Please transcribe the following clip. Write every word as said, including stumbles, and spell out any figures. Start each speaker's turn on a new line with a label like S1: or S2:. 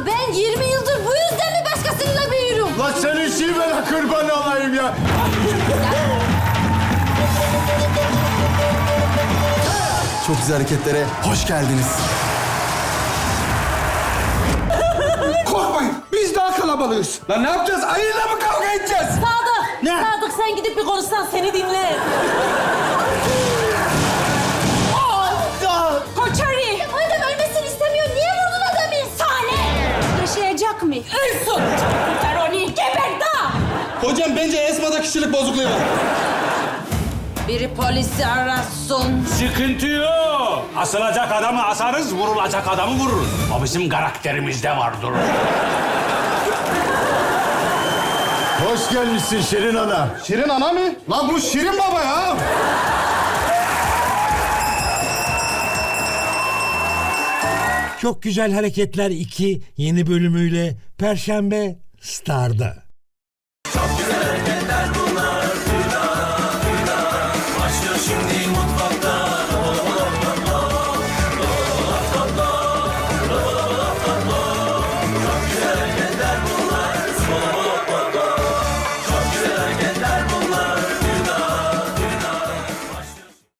S1: ben yirmi yıldır bu yüzden mi başkasıyla büyürüm?
S2: Lan senin şivene kurban olayım ya.
S3: Çok güzel hareketlere hoş geldiniz.
S4: Korkmayın, biz daha kalabalığız. Lan ne yapacağız? Ayıyla mı kavga edeceğiz?
S1: Sadık,
S4: Ne?
S1: Sadık sen gidip bir konuşsan seni dinler.
S5: Koçari!
S1: Madem ölmesini istemiyor, niye vurdun adamı?
S5: Sane! Yaşayacak mı? Ölsün! Kurtar onu, geber daha!
S3: Hocam bence Esma'da kişilik bozukluğu var.
S1: Biri polisi arasın.
S6: Sıkıntı yok. Asılacak adamı asarız, vurulacak adamı vururuz. O bizim karakterimizde vardır.
S2: Hoş gelmişsin Şirin Ana.
S3: Şirin ana mı? Lan bu Şirin baba ya.
S7: Çok Güzel Hareketler iki yeni bölümüyle Perşembe Star'da.